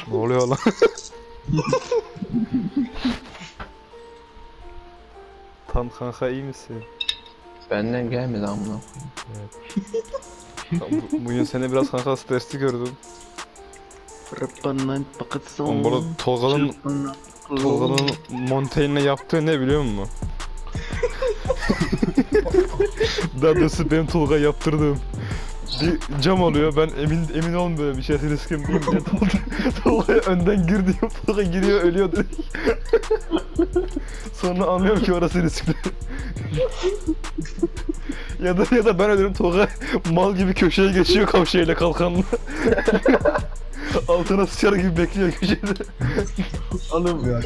Ne oluyor lan? Tam kanka iyi misin? Benden gelmedi amına. Bugün seni biraz kanka stresli gördüm. Oğlum bu arada Tolga'nın Montaigne'le yaptığı ne biliyor musun? Daha doğrusu benim Tolga yaptırdığım. Bir cam oluyor, ben emin olmuyorum bir şey riskim değil diye Tolga'ya önden gir diyor, Tolga giriyor ölüyor direkt. Sonra anlıyorum ki orası riskli. ya da ben ölürüm, Tolga mal gibi köşeye geçiyor kavşeyle kalkanla. Altına sıçar gibi bekliyor köşede. Oğlum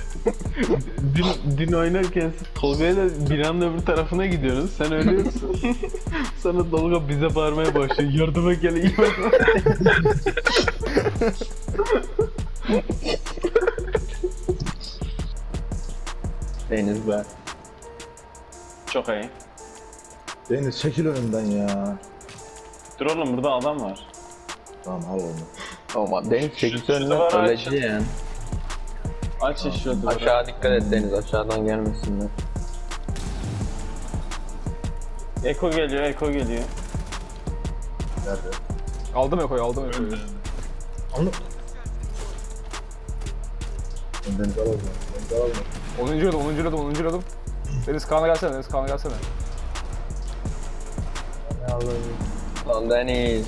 dün oynarken siz Tolga'yla binanın öbür tarafına gidiyorsunuz. Sen ölüyorsun. Sonra Tolga bize bağırmaya başlıyor. Yardıma gelin. Deniz be. Çok iyi. Deniz çekil önümden ya. Dur oğlum burada adam var. Tamam al onu. Ama Deniz çekilse Şurada önüne var, öleceği yani. Aç şurada. Aşağı dikkat et Deniz, aşağıdan gelmesinler. Eko geliyor, Eko geliyor. Nerede? Aldım Eko'yu. Onu. Deniz al onu. Deniz al onu. 10. yıldım. Deniz Kaan'a gelsene. Ne alayım? Lan Deniz.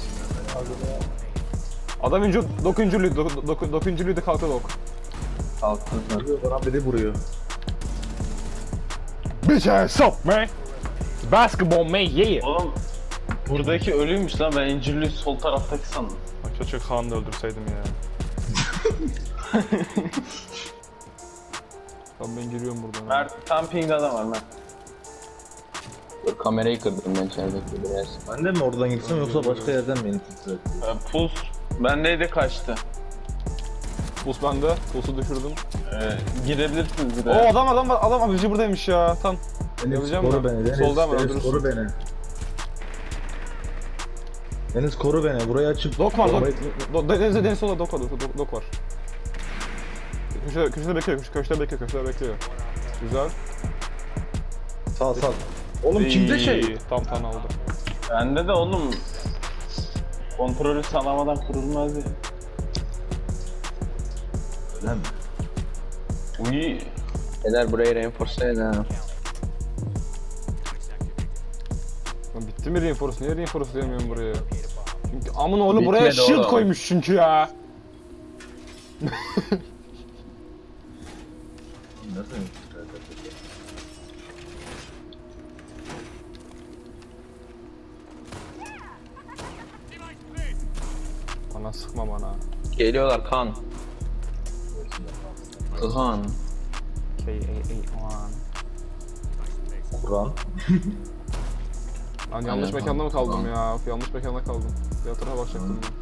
Adam önce 9. kalktı dok. Kalktın sen. Vuruyor bana biri vuruyor. Bitch ass up man. Basketball man yeah. Oğlum buradaki ölüymüş lan, ben İncirli sol taraftaki sandım. Keşke Kaan'ı da öldürseydim ya. Tamam ben giriyorum buradan. Mert tam pingde adam var Mert. Dur kamerayı kırdım ben içerideki biraz. Ben de mi oradan gitsem yoksa başka yerden mi infiltre ettim? Puls bendeydi, kaçtı. Pus bende. Pulsu düşürdüm. Girebilirsiniz bir Oo de. adam var. Adam abici buradaymış ya. Tam. Deniz Yapacağım koru mı? beni. Deniz, Soldan mı Deniz öldürürsün? koru beni. Deniz koru beni. Buraya açıp... Dok var. Arabayı- Deniz solda dok var. Dok var. Köşede bekliyor. Güzel. Sağ. Oğlum kimde şey? İyi, Tam aldı. Bende de oğlum kontrolü sağlamadan kurulmaz ya. Öyle mi? Uy. Eder burayı reinforce edin ha. Lan bitti mi reinforce? Niye reinforce diyemiyorum buraya? Çünkü amın oğlu buraya Bitmedi shield oğlum. koymuş çünkü ya. Nasıl infiltre edecek? Bana sıkma bana. Geliyorlar kan. Kan. K-A-A-1. Kur'an. Lan yanlış Aynen, mekanda mı kaldım tamam. ya? Yanlış mekanda kaldım. Diğer tarafa bakacaktım ben.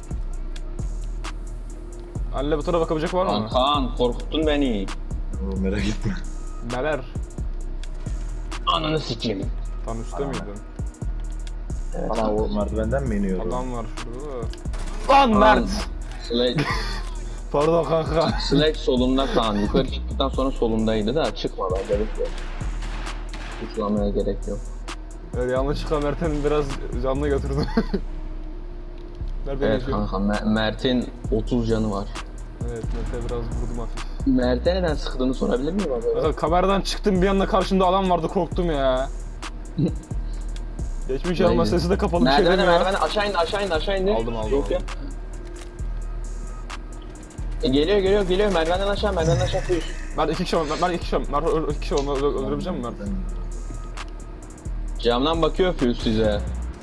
Anne bu tarafa bakabilecek var mı? Kan korkuttun beni. Oğlum merak etme. Neler? Ananı sikeyim. Tam üstte miydin? Evet, Ana o merdivenden mi iniyordu? Adam var şurada da. Lan Mert! Sledge, Pardon kanka. Sledge solunda kan. Yukarı çıktıktan sonra solundaydı da çıkmadan gerek yok. Uçlamaya gerek yok. Evet, yanlışlıkla Mert'in biraz canını götürdüm. Nerede Evet yaşıyor? kanka Mert'in 30 canı var. Evet, Mert'e biraz vurdum hafif. Mert'e neden sıktığını sorabilir miyim abi? Mesela kameradan çıktım bir anda karşımda adam vardı korktum ya. Geçmiş Aynen. alma sesi de kapalı bir şey Merdivene demiyor. aşağı indi. Aldım. Yok ya. Geliyor merdivenden aşağı koyuş. Ben iki kişi var. Mert iki kişi var. Öldürebileceğim mi Mert? Camdan bakıyor Fuse size.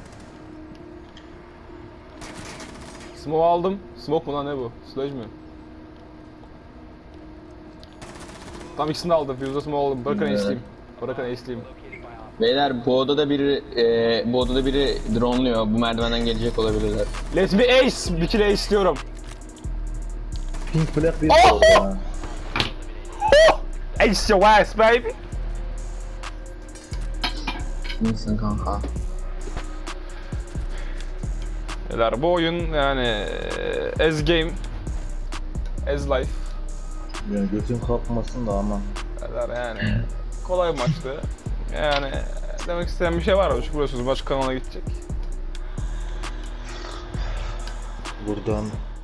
Smoke aldım. Smoke mu lan ne bu? Sledge mi? Tam ikisini de aldım. Fuse'da smoke aldım. Bırakın Evet. ace'liyim. Beyler bu odada biri drone'luyor. Bu merdivenden gelecek olabilirler. Let me ace! Bir kere ace istiyorum. Pink Black bir Oh! oldu ya. Ace your ass baby! İyisin kanka. Beyler bu oyun yani as game As life. Yani götün kalkmasın da aman. Kadar yani. Kolay bir maçtı. Yani demek istediğim bir şey var mı? Çünkü biliyorsunuz maç kanalına gidecek. Buradan